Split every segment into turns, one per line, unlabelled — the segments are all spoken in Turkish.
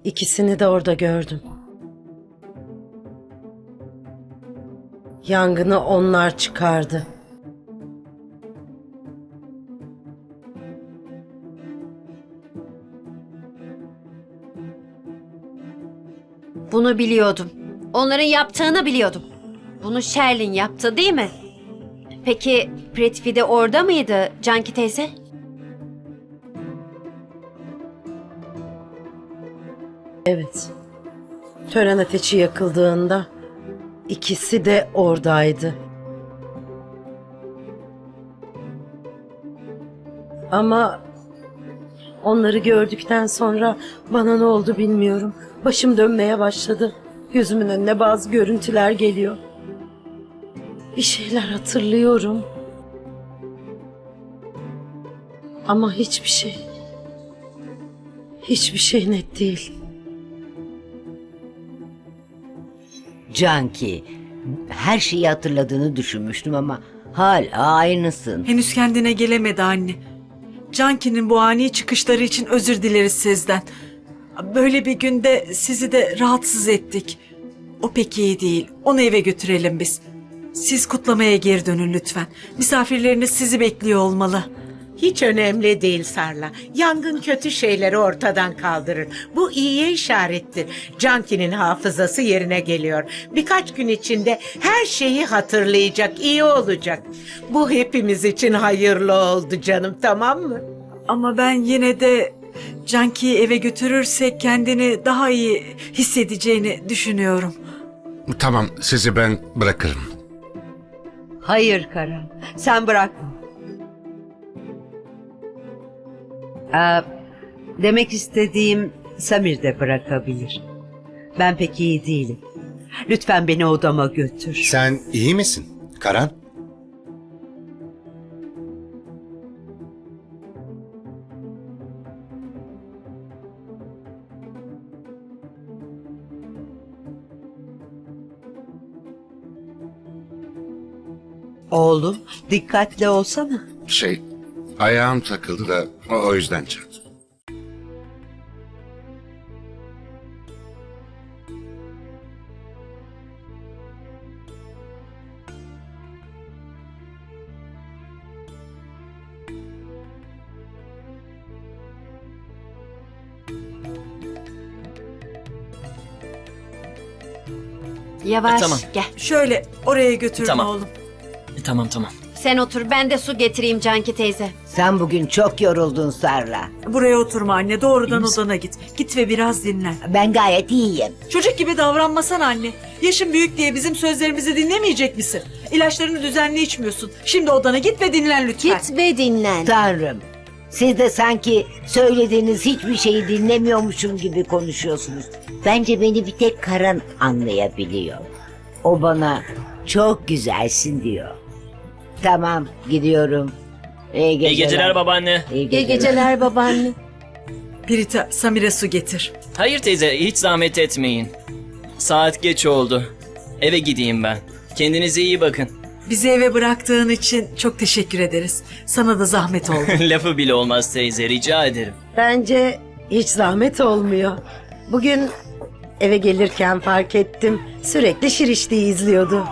İkisini de orada gördüm. Yangını onlar çıkardı.
Bunu biliyordum. Onların yaptığını biliyordum. Bunu Sherlin yaptı değil mi? Peki Prithvi de orada mıydı Canki teyze?
Evet. Tören ateşi yakıldığında ikisi de oradaydı. Ama onları gördükten sonra bana ne oldu bilmiyorum. Başım dönmeye başladı. Gözümün önüne bazı görüntüler geliyor. Bir şeyler hatırlıyorum. Ama hiçbir şey net değil.
Canki, her şeyi hatırladığını düşünmüştüm ama hala aynısın.
Henüz kendine gelemedi anne. Canki'nin bu ani çıkışları için özür dileriz sizden. Böyle bir günde sizi de rahatsız ettik. O pek iyi değil. Onu eve götürelim biz. Siz kutlamaya geri dönün lütfen. Misafirleriniz sizi bekliyor olmalı.
Hiç önemli değil Sarla. Yangın kötü şeyleri ortadan kaldırır. Bu iyiye işarettir. Canki'nin hafızası yerine geliyor. Birkaç gün içinde her şeyi hatırlayacak, iyi olacak. Bu hepimiz için hayırlı oldu canım, tamam mı?
Ama ben yine de Canki'yi eve götürürsek kendini daha iyi hissedeceğini düşünüyorum.
Tamam, sizi ben bırakırım.
Hayır Karan, sen bırakma. Demek istediğim Samir de bırakabilir. Ben pek iyi değilim. Lütfen beni odama götür.
Sen iyi misin Karan?
Oğlum, dikkatli olsana.
Ayağım takıldı da o yüzden çarptım.
Yavaş
Tamam.
gel.
Şöyle oraya götürün
Tamam.
oğlum.
Tamam.
Sen otur, ben de su getireyim Canki teyze.
Sen bugün çok yoruldun Sarla.
Buraya oturma anne. Doğrudan odana git. Git ve biraz dinlen.
Ben gayet iyiyim.
Çocuk gibi davranmasana anne. Yaşın büyük diye bizim sözlerimizi dinlemeyecek misin? İlaçlarını düzenli içmiyorsun. Şimdi odana git ve dinlen lütfen.
Git ve dinlen.
Tanrım, siz de sanki söylediğiniz hiçbir şeyi dinlemiyormuşum gibi konuşuyorsunuz. Bence beni bir tek Karan anlayabiliyor. O bana çok güzelsin diyor. Tamam, gidiyorum. İyi geceler.
İyi geceler babaanne.
İyi
İyi geceler babaanne.
Pirita, Samir'e su getir.
Hayır teyze, hiç zahmet etmeyin. Saat geç oldu. Eve gideyim ben. Kendinize iyi bakın.
Bizi eve bıraktığın için çok teşekkür ederiz. Sana da zahmet oldu.
Lafı bile olmaz teyze, rica ederim.
Bence hiç zahmet olmuyor. Bugün eve gelirken fark ettim. Sürekli Şirişli'yi izliyordu.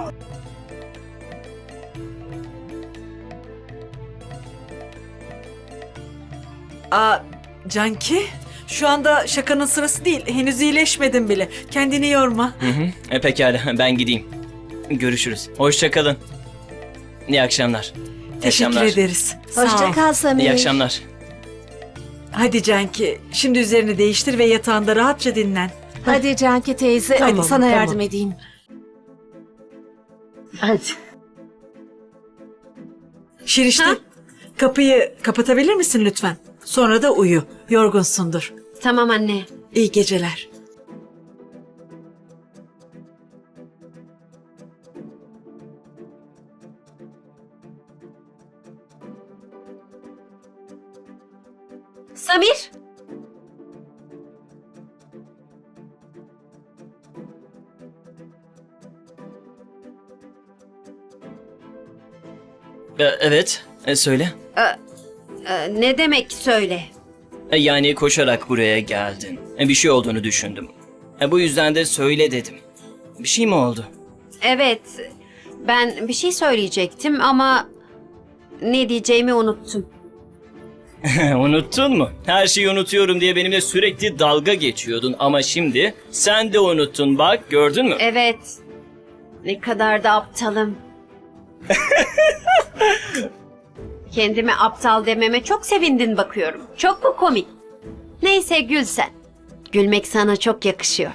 Canki, şu anda şakanın sırası değil. Henüz iyileşmedin bile. Kendini yorma.
Pekala, ben gideyim. Görüşürüz. Hoşça kalın. İyi akşamlar. İyi
Teşekkür
akşamlar.
ederiz. Sağ ol.
Hoşça kal Samir.
İyi akşamlar.
Hadi Canki, şimdi üzerini değiştir ve yatağında rahatça dinlen.
Hadi Canki teyze,
Tamam,
hadi sana
tamam.
yardım edeyim.
Hadi.
Şirişte,
Ha?
kapıyı kapatabilir misin lütfen? Sonra da uyu. Yorgunsundur.
Tamam anne.
İyi geceler.
Samir.
Evet, söyle.
Ne demek söyle?
Yani koşarak buraya geldin. Bir şey olduğunu düşündüm. Bu yüzden de söyle dedim. Bir şey mi oldu?
Evet, ben bir şey söyleyecektim ama ne diyeceğimi unuttum.
Unuttun mu? Her şeyi unutuyorum diye benimle sürekli dalga geçiyordun ama şimdi sen de unuttun, bak gördün mü?
Evet, ne kadar da aptalım. Kendime aptal dememe çok sevindin bakıyorum. Çok mu komik? Neyse gül sen. Gülmek sana çok yakışıyor.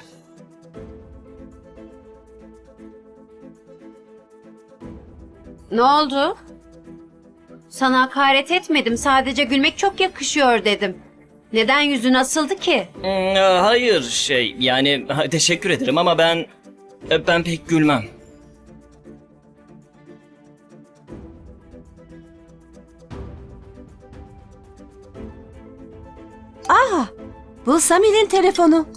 Ne oldu? Sana hakaret etmedim. Sadece gülmek çok yakışıyor dedim. Neden yüzün asıldı ki?
Hayır yani teşekkür ederim ama ben pek gülmem.
Bu Samir'in telefonu.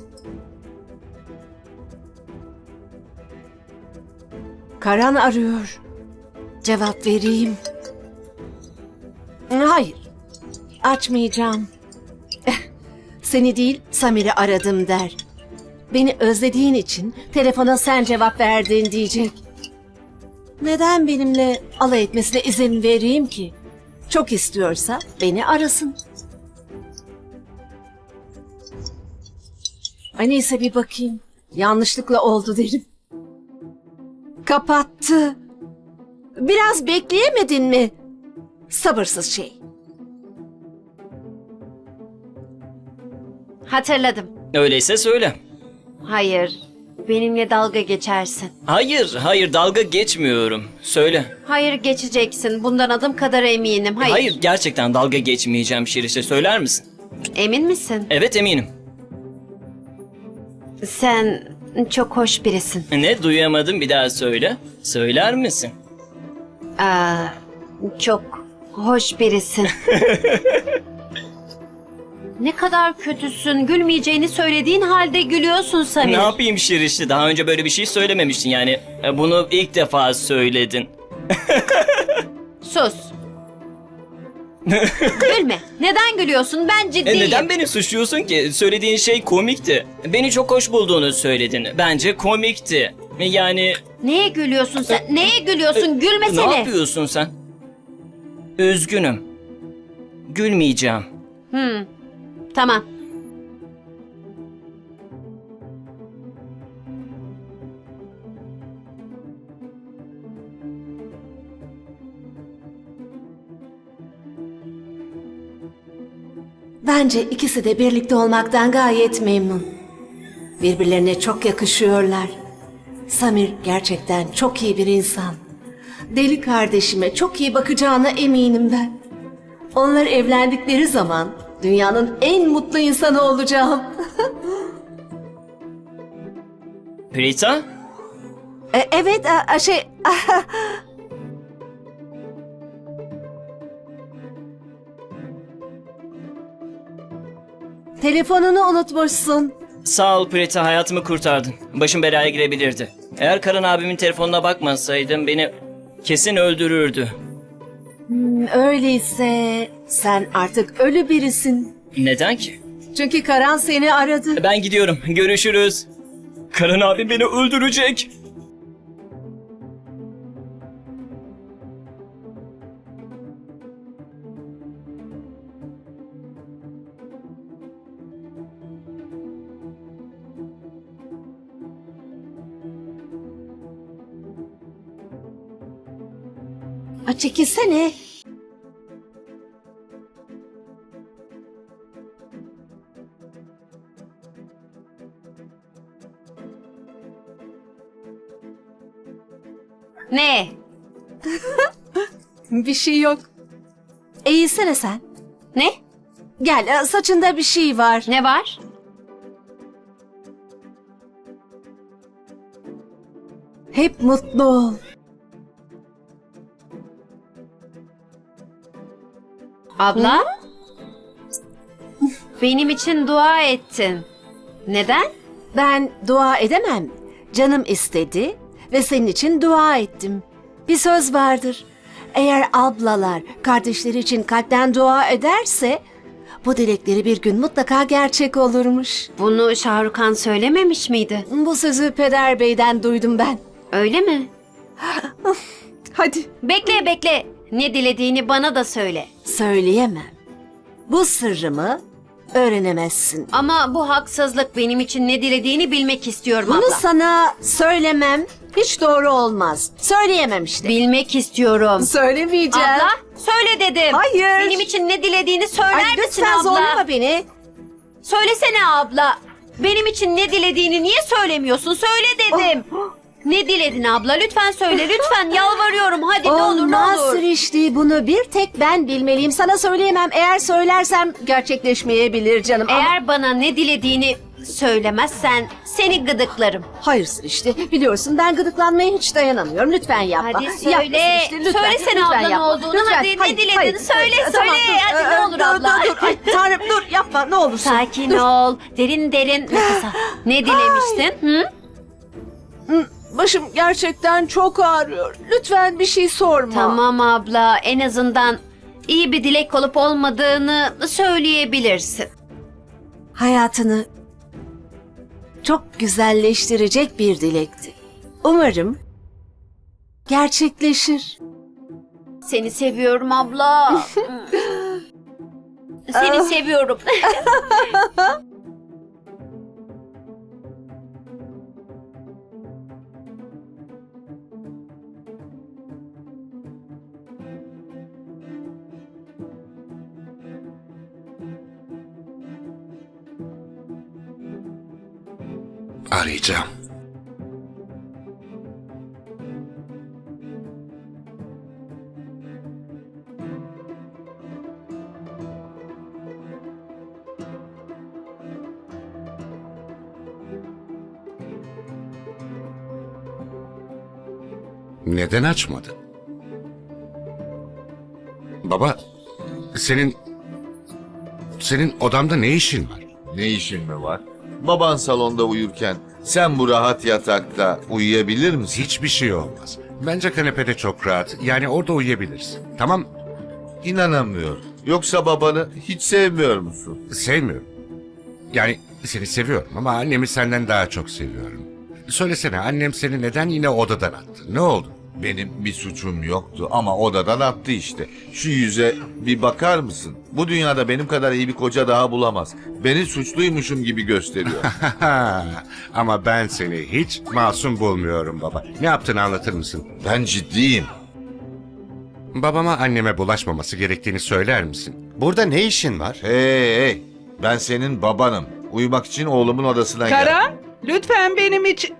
Karan arıyor. Cevap vereyim. Hayır. Açmayacağım. Seni değil, Samir'i aradım der. Beni özlediğin için telefona sen cevap verdin diyecek. Neden benimle alay etmesine izin vereyim ki? Çok istiyorsa beni arasın. Ay neyse bir bakayım. Yanlışlıkla oldu derim. Kapattı. Biraz bekleyemedin mi? Sabırsız şey.
Hatırladım.
Öyleyse söyle.
Hayır, benimle dalga geçersin.
Hayır dalga geçmiyorum. Söyle.
Hayır geçeceksin. Bundan adım kadar eminim. Hayır.
Gerçekten dalga geçmeyeceğim Şirişe, söyler misin?
Emin misin?
Evet eminim.
Sen çok hoş birisin.
Ne, duyamadım, bir daha söyle. Söyler misin?
Çok hoş birisin. Ne kadar kötüsün. Gülmeyeceğini söylediğin halde gülüyorsun Samir.
Ne yapayım Şirişi? Daha önce böyle bir şey söylememiştin yani. Bunu ilk defa söyledin.
Sus. Gülme. Neden gülüyorsun? Ben ciddiyim.
Neden beni suçluyorsun ki? Söylediğin şey komikti. Beni çok hoş bulduğunu söyledin. Bence komikti. Yani...
Neye gülüyorsun sen? Neye gülüyorsun? Gülmesene.
Ne yapıyorsun sen? Üzgünüm. Gülmeyeceğim.
Tamam.
Bence ikisi de birlikte olmaktan gayet memnun. Birbirlerine çok yakışıyorlar. Samir gerçekten çok iyi bir insan. Deli kardeşime çok iyi bakacağına eminim ben. Onlar evlendikleri zaman dünyanın en mutlu insanı olacağım.
Prita?
Evet, telefonunu unutmuşsun.
Sağ ol Prita, hayatımı kurtardın. Başım belaya girebilirdi. Eğer Karan abimin telefonuna bakmasaydım beni kesin öldürürdü.
Öyleyse sen artık ölü birisin.
Neden ki?
Çünkü Karan seni aradı.
Ben gidiyorum. Görüşürüz. Karan abi beni öldürecek.
Çekilsene.
Ne?
Bir şey yok. Eğilsene sen.
Ne?
Gel, saçında bir şey var.
Ne var?
Hep mutlu ol.
Abla? Benim için dua ettin. Neden?
Ben dua edemem. Canım istedi ve senin için dua ettim. Bir söz vardır. Eğer ablalar kardeşleri için kalpten dua ederse
bu dilekleri bir gün mutlaka gerçek olurmuş.
Bunu Şahrukan söylememiş miydi?
Bu sözü Peder Bey'den duydum ben.
Öyle mi?
Hadi.
Bekle. Ne dilediğini bana da söyle.
Söyleyemem. Bu sırrımı öğrenemezsin.
Ama bu haksızlık, benim için ne dilediğini bilmek istiyorum
Bunu
abla.
sana söylemem hiç doğru olmaz. Söyleyemem işte.
Bilmek istiyorum.
Söylemeyeceğim.
Abla söyle dedim.
Hayır.
Benim için ne dilediğini söyler
Ay,
misin
lütfen
abla?
zorlama beni.
Söylesene abla. Benim için ne dilediğini niye söylemiyorsun? Söyle dedim. Ne diledin abla? Lütfen söyle. Lütfen yalvarıyorum. Hadi ne olur ne
Olmaz
olur.
Srişti, bunu bir tek ben bilmeliyim. Sana söyleyemem. Eğer söylersem gerçekleşmeyebilir canım. Ama-
Eğer bana ne dilediğini söylemezsen seni gıdıklarım.
Hayır Srişti, biliyorsun ben gıdıklanmaya hiç dayanamıyorum. Lütfen yapma.
Hadi söyle.
Yapma Srişti, lütfen.
Söylesene
Lütfen
abla ne
yapma.
olduğunu.
Lütfen.
Hadi ne dilediğini söyle.
Tamam,
Söyle.
dur.
Hadi ne olur abla.
Dur. Ay Tanrım dur, yapma ne olursun.
Sakin ol. Derin nefes al. Ne dilemiştin? Hı?
Başım gerçekten çok ağrıyor. Lütfen bir şey sorma.
Tamam abla. En azından iyi bir dilek olup olmadığını söyleyebilirsin.
Hayatını çok güzelleştirecek bir dilekti. Umarım gerçekleşir.
Seni seviyorum abla. Seni seviyorum.
Arayacağım. Neden açmadın? Baba, senin odamda ne işin var?
Ne işin mi var? Baban salonda uyurken sen bu rahat yatakta uyuyabilir misin?
Hiçbir şey olmaz. Bence kanepede çok rahat. Yani orada uyuyabilirsin. Tamam,
İnanamıyorum. Yoksa babanı hiç sevmiyor musun?
sevmiyorum. Yani seni seviyorum ama annemi senden daha çok seviyorum. Söylesene, annem seni neden yine odadan attı? Ne oldu?
Benim bir suçum yoktu ama odadan attı işte. Şu yüze bir bakar mısın? Bu dünyada benim kadar iyi bir koca daha bulamaz. Beni suçluymuşum gibi gösteriyor.
Ama ben seni hiç masum bulmuyorum baba. Ne yaptığını anlatır mısın?
Ben ciddiyim.
Babama anneme bulaşmaması gerektiğini söyler misin?
Burada ne işin var?
Hey, ben senin babanım. Uyumak için oğlumun odasına geldim.
Karan, lütfen benim için...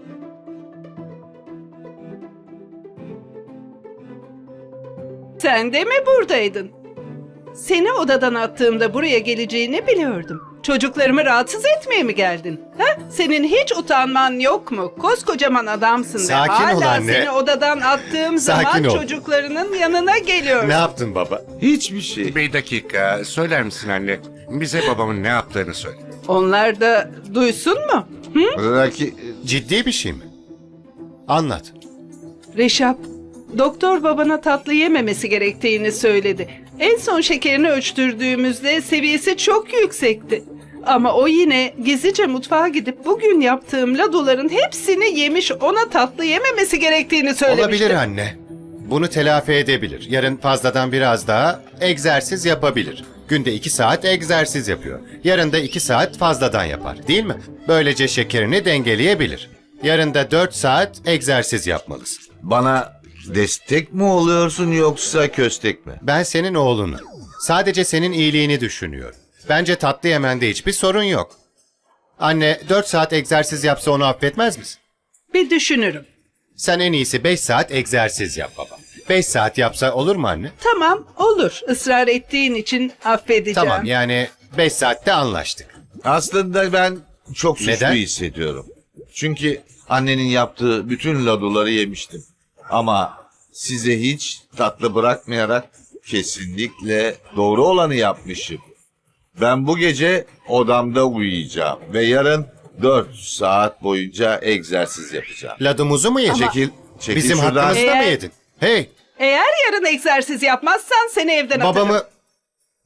Sen de mi buradaydın? Seni odadan attığımda buraya geleceğini biliyordum. Çocuklarımı rahatsız etmeye mi geldin? Ha? Senin hiç utanman yok mu? Koskocaman adamsın
Sakin
ve
ol
hala
anne.
seni odadan attığım
Sakin
zaman
ol.
çocuklarının yanına geliyorum.
Ne yaptın baba?
Hiçbir şey.
Bir dakika, söyler misin anne? Bize babamın ne yaptığını söyle.
Onlar da duysun mu?
Belki
Ciddi bir şey mi? Anlat.
Reşap, doktor babana tatlı yememesi gerektiğini söyledi. En son şekerini ölçtürdüğümüzde seviyesi çok yüksekti. Ama o yine gizlice mutfağa gidip bugün yaptığım ladoların hepsini yemiş, ona tatlı yememesi gerektiğini söylemişti.
Olabilir anne. Bunu telafi edebilir. Yarın fazladan biraz daha egzersiz yapabilir. Günde 2 saat egzersiz yapıyor. Yarın da 2 saat fazladan yapar, değil mi? Böylece şekerini dengeleyebilir. Yarın da 4 saat egzersiz yapmalısın.
bana destek mi oluyorsun yoksa köstek mi?
Ben senin oğlunum. Sadece senin iyiliğini düşünüyorum. Bence tatlı yemende hiçbir sorun yok. Anne 4 saat egzersiz yapsa onu affetmez misin?
Bir düşünürüm.
Sen en iyisi 5 saat egzersiz yap baba. 5 saat yapsa olur mu anne?
Tamam, olur. Israr ettiğin için affedeceğim.
Tamam, yani 5 saatte anlaştık.
Aslında ben çok suçlu
Neden?
hissediyorum. Çünkü annenin yaptığı bütün laduları yemiştim. Ama size hiç tatlı bırakmayarak kesinlikle doğru olanı yapmışım. Ben bu gece odamda uyuyacağım ve yarın 4 saat boyunca egzersiz yapacağım.
Ladumuzu mu yedin?
Çekil
Bizim
şuradan.
hakkımızda mı
Eğer-
yedin? Hey,
Eğer yarın egzersiz yapmazsan seni evden atarım.
babamı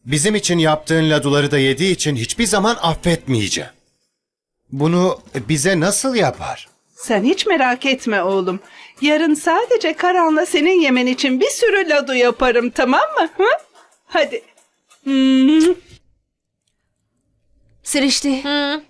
Bizim için yaptığın laduları da yediği için hiçbir zaman affetmeyeceğim. Bunu bize nasıl yapar?
Sen hiç merak etme oğlum. Yarın sadece Karan'la senin yemen için bir sürü ladu yaparım, tamam mı? Hı? Hadi.
Sirişti.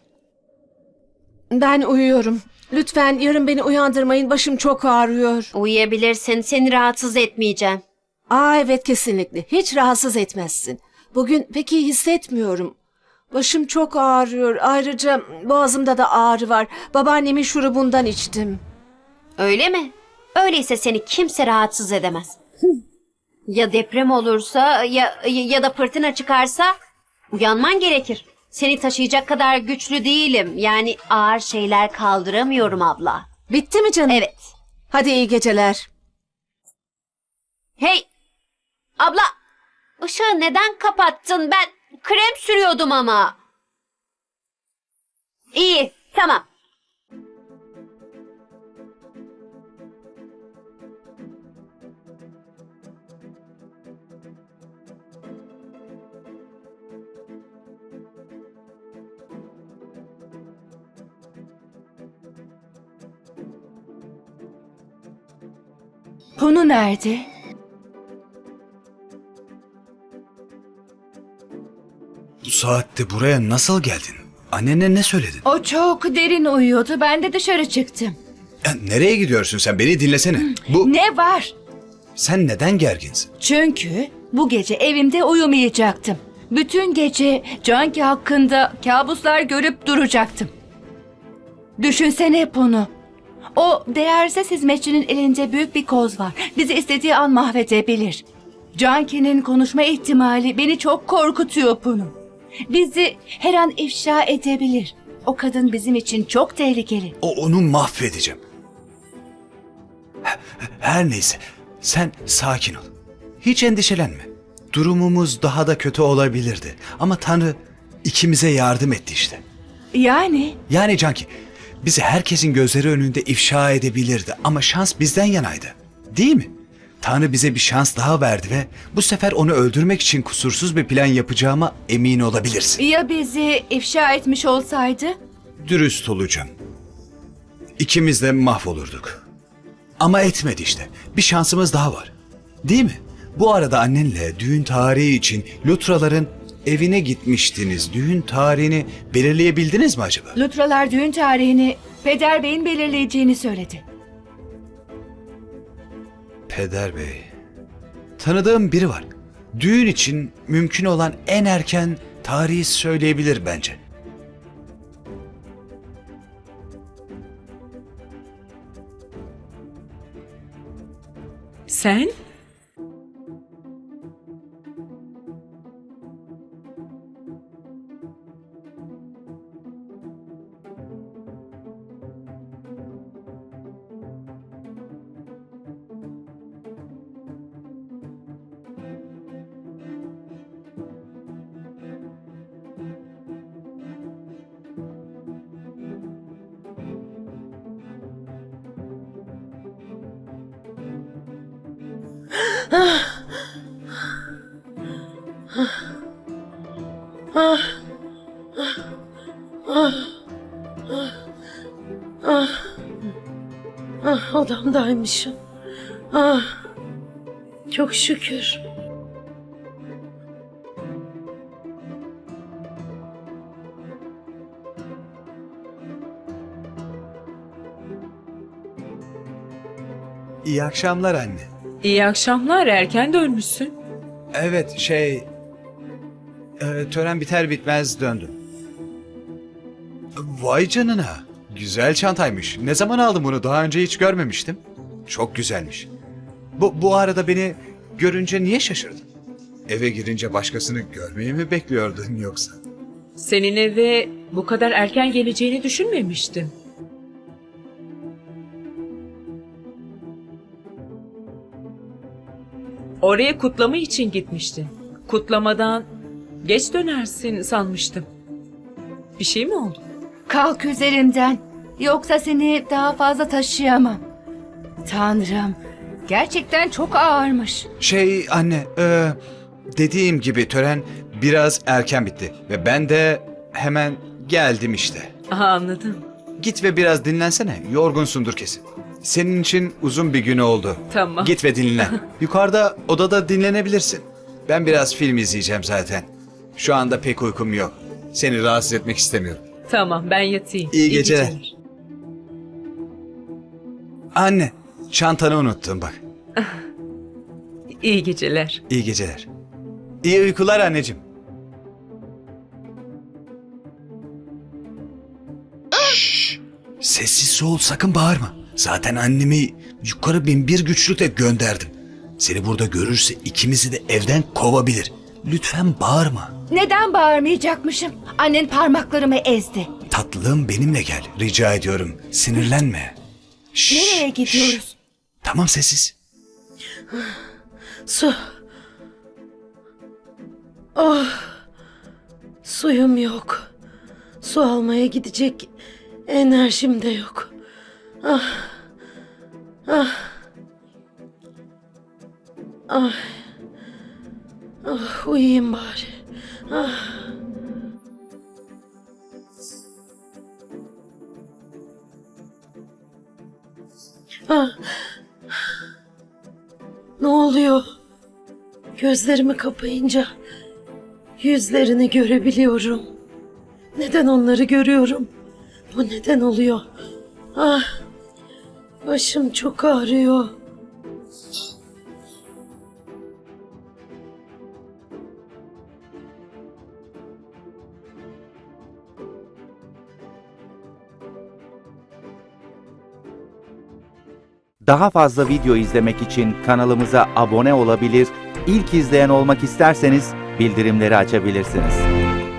Ben uyuyorum. Lütfen yarın beni uyandırmayın. Başım çok ağrıyor.
Uyuyabilirsin. Seni rahatsız etmeyeceğim.
Evet, kesinlikle. Hiç rahatsız etmezsin. Bugün pek iyi hissetmiyorum. Başım çok ağrıyor. Ayrıca boğazımda da ağrı var. Babaannemin şurubundan içtim.
Öyle mi? Öyleyse seni kimse rahatsız edemez. Ya deprem olursa ya da fırtına çıkarsa uyanman gerekir. Seni taşıyacak kadar güçlü değilim. Yani ağır şeyler kaldıramıyorum abla.
Bitti mi canım?
Evet.
Hadi iyi geceler.
Hey! Abla! Işığı neden kapattın? Ben krem sürüyordum ama. İyi, tamam.
Punu nerede?
Bu saatte buraya nasıl geldin? Annene ne söyledin?
O çok derin uyuyordu. Ben de dışarı çıktım.
Ya nereye gidiyorsun sen? Beni dinlesene.
Ne var?
Sen neden gerginsin?
Çünkü bu gece evimde uyumayacaktım. Bütün gece Canki hakkında kabuslar görüp duracaktım. Düşünsene bunu. O değersiz hizmetçinin elinde büyük bir koz var. Bizi istediği an mahvedebilir. Canki'nin konuşma ihtimali beni çok korkutuyor bunu. Bizi her an ifşa edebilir. O kadın bizim için çok tehlikeli.
Onu mahvedeceğim. Her neyse. Sen sakin ol. Hiç endişelenme. Durumumuz daha da kötü olabilirdi. Ama Tanrı ikimize yardım etti işte.
Yani
Canki, bizi herkesin gözleri önünde ifşa edebilirdi. Ama şans bizden yanaydı. Değil mi? Tanrı bize bir şans daha verdi ve bu sefer onu öldürmek için kusursuz bir plan yapacağıma emin olabilirsin.
ya bizi ifşa etmiş olsaydı?
Dürüst olacağım. İkimiz de mahvolurduk. Ama etmedi işte. Bir şansımız daha var. Değil mi? Bu arada annenle düğün tarihi için Lutraların evine gitmiştiniz. Düğün tarihini belirleyebildiniz mi acaba?
Lutralar düğün tarihini Peder Bey'in belirleyeceğini söyledi.
Peder Bey. Tanıdığım biri var. Düğün için mümkün olan en erken tarihi söyleyebilir bence.
Sen?
Odamdaymışım. Çok şükür.
İyi akşamlar anne.
İyi akşamlar, erken dönmüşsün.
Evet tören biter bitmez döndüm. Vay canına. Güzel çantaymış. Ne zaman aldın bunu? Daha önce hiç görmemiştim. Çok güzelmiş. Bu arada beni görünce niye şaşırdın? Eve girince başkasını görmeyi mi bekliyordun yoksa?
Senin eve bu kadar erken geleceğini düşünmemiştim. Oraya kutlama için gitmiştin. Kutlamadan geç dönersin sanmıştım. Bir şey mi oldu?
Kalk üzerimden. Yoksa seni daha fazla taşıyamam. Tanrım, gerçekten çok ağırmış.
Anne, dediğim gibi tören biraz erken bitti ve ben de hemen geldim işte.
Aha, anladım.
Git ve biraz dinlensene. Yorgunsundur kesin. Senin için uzun bir gün oldu.
Tamam.
Git ve dinlen. Yukarıda odada dinlenebilirsin. Ben biraz film izleyeceğim zaten. Şu anda pek uykum yok. Seni rahatsız etmek istemiyorum.
Tamam, ben yatayım.
İyi geceler. Anne, çantanı unuttum bak.
İyi geceler.
İyi geceler. İyi uykular anneciğim. Şşş! Sessiz ol, sakın bağırma. Zaten annemi yukarı 1001 güçlükle gönderdim. Seni burada görürse ikimizi de evden kovabilir. Lütfen bağırma.
Neden bağırmayacakmışım? Annen parmaklarımı ezdi.
Tatlım benimle gel. Rica ediyorum. Sinirlenme. Şşş,
Nereye gidiyoruz?
şşş. Tamam sessiz.
Su. Oh. Suyum yok. Su almaya gidecek enerjim de yok. Ah. Ah. Ah. Ah, uyuyayım bari. Ah. Ah. Ne oluyor? Gözlerimi kapayınca yüzlerini görebiliyorum. Neden onları görüyorum? Bu neden oluyor? Ah. Başım çok ağrıyor.
Daha fazla video izlemek için kanalımıza abone olabilir, ilk izleyen olmak isterseniz bildirimleri açabilirsiniz.